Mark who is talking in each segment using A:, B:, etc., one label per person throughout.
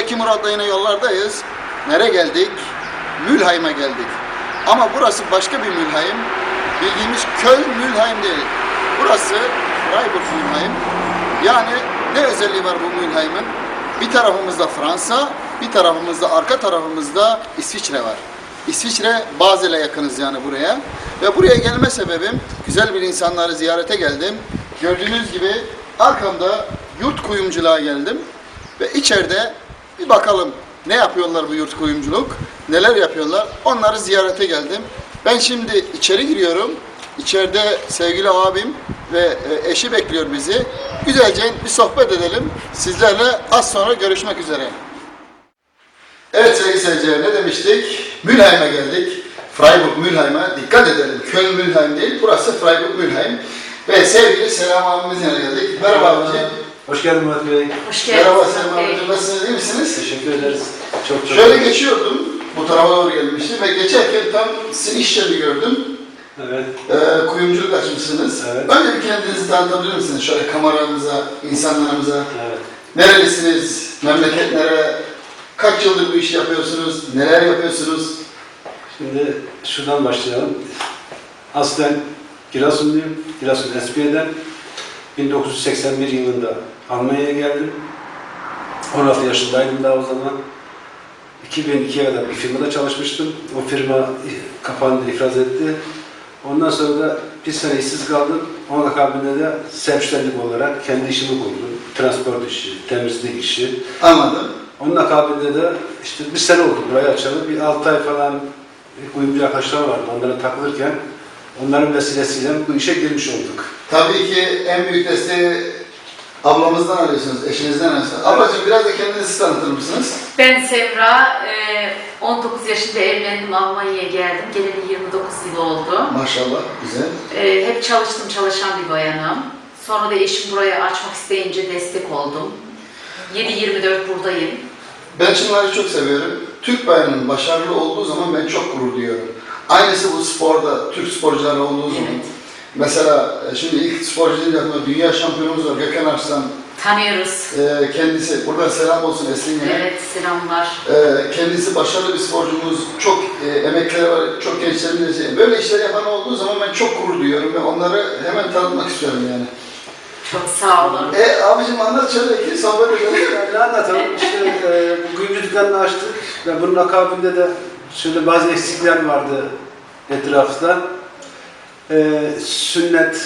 A: Zeki Murat'la yine yollardayız. Nereye geldik? Mülheim'e geldik. Ama burası başka bir Mülheim. Bildiğimiz Köln Mülheim değil. Burası Freiburg Mülheim. Yani ne özelliği var bu Mülheim'in? Bir tarafımızda Fransa, bir tarafımızda, arka tarafımızda İsviçre var. İsviçre, Basel'e yakınız yani buraya. Ve buraya gelme sebebim, güzel bir insanları ziyarete geldim. Gördüğünüz gibi arkamda yurt kuyumculuğa geldim. Ve içeride bir bakalım ne yapıyorlar bu yurt kuyumculuk, neler yapıyorlar, onları ziyarete geldim. Ben şimdi içeri giriyorum. İçeride sevgili abim ve eşi bekliyor bizi. Güzelce bir sohbet edelim. Sizlerle az sonra görüşmek üzere. Evet sevgili seyirciler, ne demiştik? Mülheim'e geldik. Freiburg Mülheim'e dikkat edelim. Köln Mülheim değil, burası Freiburg Mülheim. Ve sevgili Selam abimizin yanına geldik. Merhaba abiciğim.
B: Hoş geldin Murat Bey.
C: Hoş geldiniz.
A: Merhaba Selam abicim, nasılsınız, iyi misiniz?
B: Teşekkür ederiz. Çok
A: Şöyle geçiyordum, bu tarafa doğru gelmiştim ve geçerken tam sizin iş yerini gördüm.
B: Evet.
A: Kuyumculuk açmışsınız.
B: Evet.
A: Önce bir kendinizi tanıtabilir misiniz? Şöyle kameramıza, insanlarımıza.
B: Evet.
A: Nerelisiniz? Memleket nere? Kaç yıldır bu işi yapıyorsunuz? Neler yapıyorsunuz?
B: Şimdi şuradan başlayalım. Aslen Giresunluyum. Giresun Espiye'den 1981 yılında Almanya'ya geldim. 16 yaşındaydım daha o zaman. 2002'ye kadar bir firmada çalışmıştım. O firma kapandı, iflas etti. Ondan sonra da bir sene işsiz kaldım. Onun akabinde de self-ständig olarak kendi işimi kurdum. Transport işi, temizlik işi.
A: Anladım.
B: Onun akabinde de işte bir sene oldu burayı açalım. Bir 6 ay falan kuyumcu arkadaşlar vardı. Onlara takılırken onların vesilesiyle bu işe girmiş olduk.
A: Tabii ki en büyük desteği ablamızdan alıyorsunuz, eşinizden alıyorsunuz. Ablacığım biraz da kendinizi tanıtır mısınız?
C: Ben Semra, 19 yaşında evlendim, Almanya'ya geldim. Geleli 29 yıl oldu.
A: Maşallah, güzel.
C: Hep çalıştım, çalışan bir bayanım. Sonra da eşim burayı açmak isteyince destek oldum. 7-24 buradayım.
A: Ben şunları çok seviyorum. Türk bayanının başarılı olduğu zaman ben çok gurur duyuyorum. Aynısı bu sporda, Türk sporcuları olduğu zaman.
C: Evet.
A: Mesela şimdi ilk sporcu deyince aklıma dünya şampiyonumuz var Gökhan Arslan.
C: Tanıyoruz.
A: Kendisi, buradan selam olsun Esin'e.
C: Evet, selamlar.
A: Kendisi başarılı bir sporcumuz, çok emekleri var, çok gençlerimiz. Böyle işler yapan olduğu zaman ben çok gurur duyuyorum ve onları hemen tanıtmak istiyorum yani.
C: Çok sağ olun.
A: Abicim anlat şöyle ki sohbet edelim.
B: Ne anlatalım? İşte bu kuyumcu dükkanını açtık ve bunun akabinde de şöyle bazı eksikler vardı etrafta. Sünnet,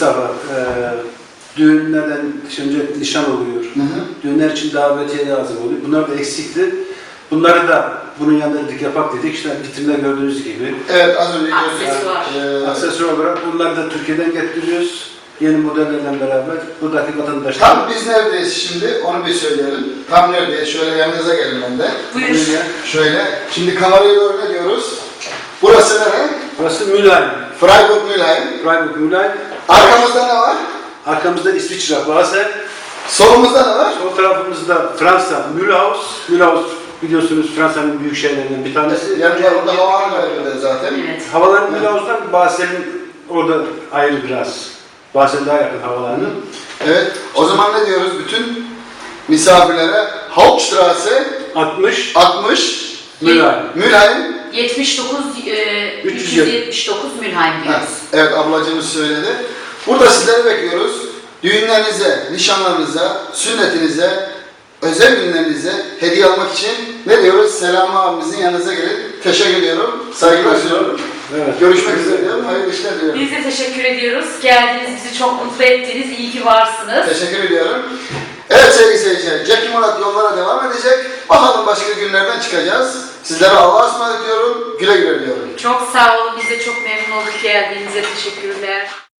B: düğünlerden önce nişan oluyor.
A: Hı hı.
B: Düğünler için davetiye lazım oluyor. Bunlar da eksikti. Bunları da bunun yanında dedik yapak dedik. İşte vitrimde gördüğünüz gibi.
A: Evet az önce
C: Aksesuar.
B: Aksesuar olarak bunları da Türkiye'den getiriyoruz. Yeni modellerle beraber buradaki vatandaşlar.
A: Tam biz neredeyiz şimdi onu bir söyleyelim. Tam neredeyiz? Şöyle yanınıza gelin ben de.
C: Buyur.
A: Şöyle. Şimdi kamerayı doğru ne diyoruz? Burası nere?
B: Burası Mülheim.
A: Freiburg Mülheim.
B: Freiburg Mülheim.
A: Arkamızda ne var?
B: Arkamızda İsviçre, Basel.
A: Solumuzda ne var?
B: Sol tarafımızda Fransa, Mühlhaus. Mühlhaus biliyorsunuz Fransa'nın büyük şehirlerinden bir tanesi.
A: Yani orada havalar var zaten.
C: Evet.
B: Havaların Mühlhaus'tan Basel'in orada ayrı biraz. Basel daha yakın havalarının.
A: Evet. O zaman ne diyoruz bütün misafirlere? Hauptstraße 60
B: Mülheim.
A: Mülheim.
C: 79, 379 Mülheim diyoruz.
A: Evet ablacığımız söyledi. Burada sizleri bekliyoruz. Düğünlerinize, nişanlarınıza, sünnetinize, özel günlerinize hediye almak için ne diyoruz? Selam abimizin yanınıza gelin. Teşekkür ediyorum. Saygılar sunuyorum.
B: Evet.
A: Görüşmek üzere diyorum. Hayırlı işler diliyorum.
C: Biz de teşekkür ediyoruz. Geldiniz, bizi çok mutlu ettiniz. İyi ki varsınız.
A: Teşekkür ediyorum. Evet sevgili seyirciler, Zeki Murat yollara devam edecek. Bakalım başka günlerden çıkacağız. Sizlere Allah'a ısmarladık diyorum. Güle güle diyorum.
C: Çok sağ olun. Biz de çok memnun olduk geldiğinize. Teşekkürler.